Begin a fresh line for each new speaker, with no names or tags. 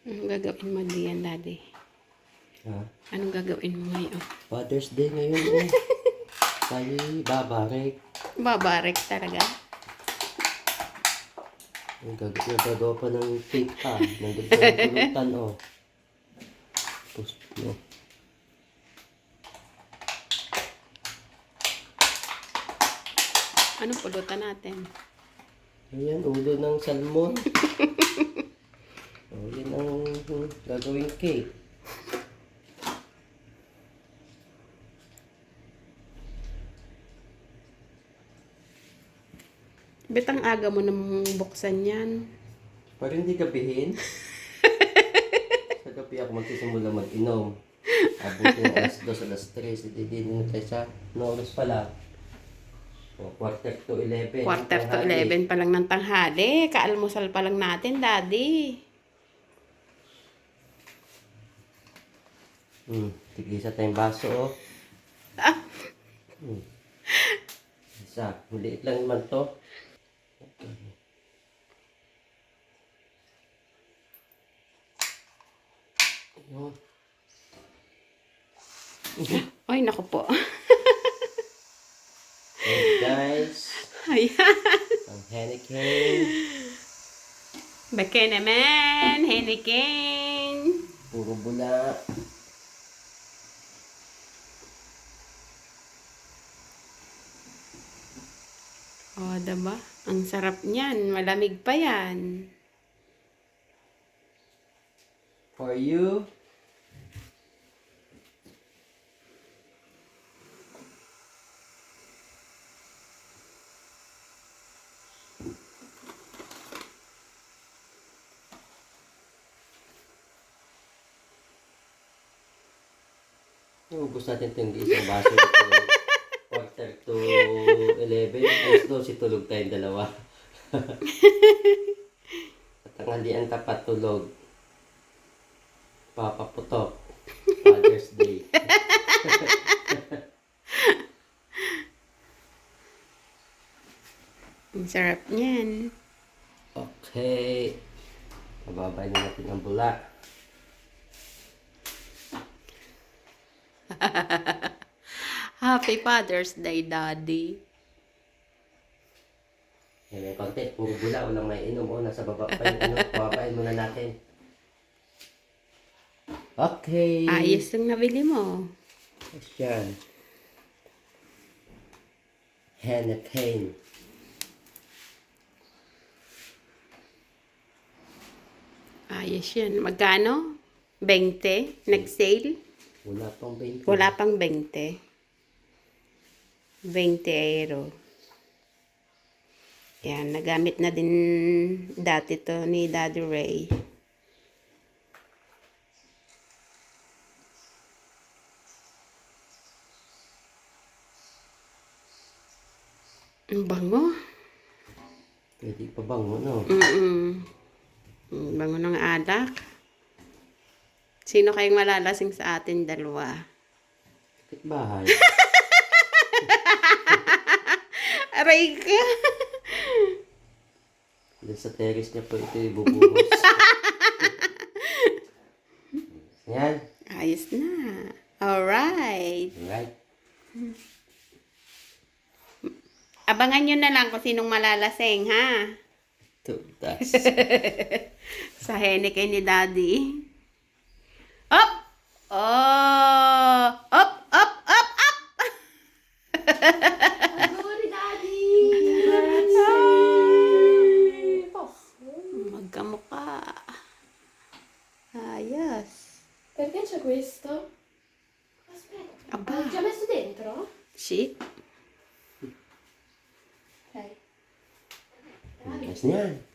Anong gagawin mo diyan, Daddy?
Ha?
Anong gagawin mo ngayon?
Father's Day ngayon eh. Tayo babarek.
Babarek talaga?
Nagagawa pa ng cake pa. Nandun pa yung pulutan oh. Post no.
Anong pulutan natin?
Ayan, ulo ng salmon. Oh, yan ang gagawing cake.
Betang aga mo namang buksan yan.
Para hindi gabihin. Sa gabi ako magsisimula mag-inom. Abutin ng alas 2, alas 3. Hindi din tayo sa oras pala. O, quarter to 11.
Quarter to 11 pa lang ng tanghali. Kaalmusal pa lang natin, Daddy.
Tigisa tayong baso oh.
Ah,
Isa. Maliit lang naman to. Ayun.
Ay, naku po.
Hey guys.
Ayan.
Ang Henneken.
Beke naman, Henneken.
Puro bula.
O, diba? Ang sarap niyan. Malamig pa yan.
For you. Ubus natin ito yung isang baso ito. Quarter to 11. Alas 12, tulog tayong dalawa. At ang halian tapat tulog. Papaputok. Father's Day.
Ang sarap niyan.
Okay. Pababayin natin ang bula.
Happy Father's Day, Daddy.
Yan yung konti. Puro bula. Walang may inom. O, nasa baba pa yung ano. Pababayin muna natin. Okay.
Ayos yung nabili mo.
Yes, yan. Henneken.
Ayos yan. Magkano? 20? Nag-sale?
Wala pang 20.
Wala pang 20. 20 euro. Yan, nagamit na din dati to ni Daddy Ray. Ang bango.
Pwede pa bang no?
Ang bango ng alak. Sino kayong malalasing sa atin dalawa?
Kapit bahay.
Aray ka!
Doon sa terrace niya po ito ibubuhos. Yan.
Ayos na. Alright.
Alright.
Abangan nyo na lang kung sinong malalasing, ha?
Tutas.
Sa Henneken ni Daddy. Up! Oh! Up! Up! Up! Up!
Sorry, Daddy!
Magkamukha. Ayos.
Perché c'è questo? Aspetta,
Abba.
l'ho già messo dentro?
Shit.
Ok.
Tutas niyan.